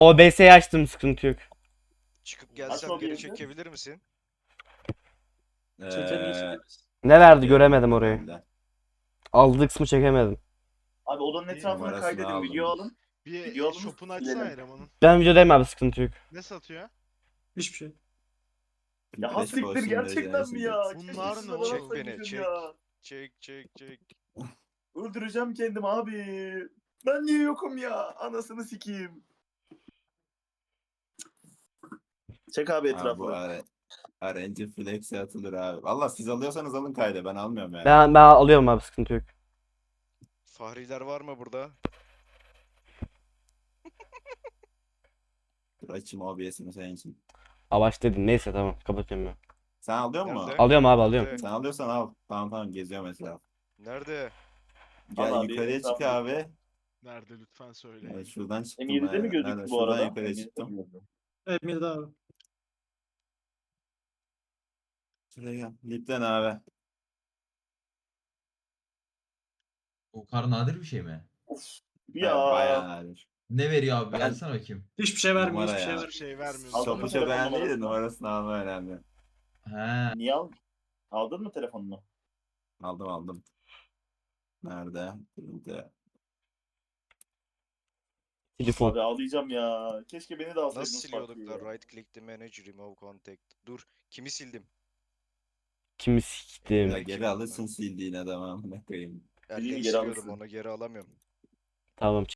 OBS'yi açtım, sıkıntı yok. Çıkıp gelsem Aç geri OBS'i. çekebilir misin? Çete niye çekiyoruz? Ne verdi Çekiyorum göremedim ben orayı. de. Aldığı kısmı çekemedim. Abi odanın Bir etrafını numarasını kaydedin. aldım. Video alın. Bir Video alın, shop'unu açsana silelim. elemanın. Ben videodayım abi, sıkıntı yok. Ne satıyor? Hiçbir şey. Ya Flash hassiktir Force'un gerçekten derecesi mi ya? geç. Bunlar Keşke ne size oğlum? bana Çek beni, sakın çek. ya. Çek. Öldüreceğim kendimi abi. Ben niye yokum ya? Anasını sikeyim. Çek abi Ha, bu etrafı. RNG Flex'e atılır abi. Valla siz alıyorsanız alın kayda, ben almıyorum yani. Ben alıyorum abi, sıkıntı yok. Fahriler var mı burada? Dur açayım OBS'imi senin için. Avaç dedin, neyse tamam, kapatıyorum ben. Sen alıyor musun? Nerede? Alıyorum abi, alıyorum. Nerede? Sen alıyorsan al. Tamam geziyor mesela. Nerede? Gel Al abi, yukarıya çık etrafını- abi. Nerede lütfen söyle. Evet, şuradan çıktım. M7'de mi aynen. gözüktü Nerede? bu Şuradan arada? yukarıya M7'de çıktım. mi gözüktü? Evet Mirda abi. Şuraya gel. Lipten abi. O kadar nadir bir şey mi? Ya. Bayağı nadir. Ne veriyor abi? Ben- Gelsene bakayım. Hiçbir şey vermiyor. Numara Hiçbir şey ya. Hiçbir vermiyor. şey vermiyor. Aldın Şopu mı çok telefon önemli değil de numarasını? numarasını alma önemli. He. Niye aldın? Aldın mı telefonunu? Aldım. Nerede? Burada. Telefon. Abi ağlayacağım ya. Keşke beni de Nasıl alsaydınız siliyorduk partiye da ya. right click to manage remove contact. Dur. Kimi sildim? Kimi Ya siktim. geri alırsın sildiğin adamı amına koyayım. Elle geri siliyordum alırsın. onu geri alamıyorum. Tamam.